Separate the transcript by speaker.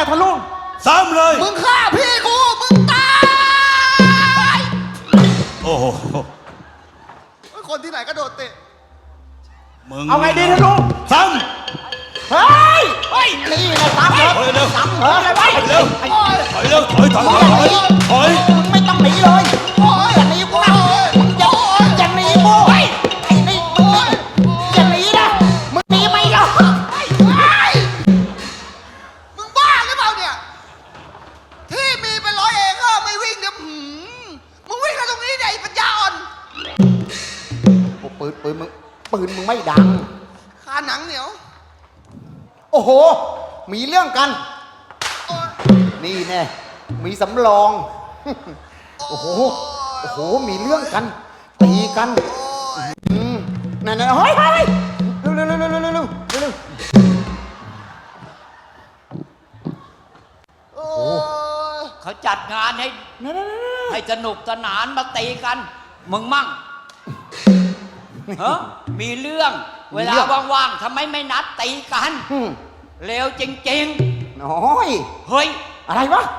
Speaker 1: ทะลุง
Speaker 2: ซ้ำเลย
Speaker 3: มึงฆ่าพี่กูมึงตาย
Speaker 2: โอ้โห
Speaker 3: คนที่ไหนก็โดดเตะ
Speaker 2: มึง
Speaker 1: เอาไงดีทะลุง
Speaker 2: ซ้
Speaker 1: เฮ้ยเฮ้ยนี่ไงซ้ำ
Speaker 2: ำ
Speaker 1: เหรอ
Speaker 2: ถอยเร็ว
Speaker 1: ซ้ำเหรออะไรวะ
Speaker 2: ถอยเร็วถอยเร็วถอยถอย
Speaker 1: มึงไม่ต้องหนีเลยอย่าหนีกูนะมึงอย่าหนีกูไอ้นี่มึงอย่าหนีนะมึงหนีไม่หรอก
Speaker 3: มึงบ้าหรือเปล่าเนี่ยที่มีเป็น100 เองก็ไม่วิ่งเดี๋ยวมึงวิ่งมาตรงนี้เนี่ยไอ้ปัญญาอ่อน
Speaker 1: ปืนมึงไม่ดัง
Speaker 3: คาหนังเหนียว
Speaker 1: โอ้โหมีเรื่องกัน
Speaker 3: โอ๊ย
Speaker 1: นี่แน่มีสำรอง โอ้โหมีเรื่องกันตีกันนั่นเฮ้ยเร็ว
Speaker 3: โอ้ย
Speaker 4: เขาจัดงานให้สนุกสนานมาตีกัน มึงมั่งฮะมีเรื่องเวลาว่างๆทำไมไม่นัดตีกันเร็วจริง
Speaker 1: น้อย
Speaker 4: ๆ เฮ้ย
Speaker 1: อะไรวะ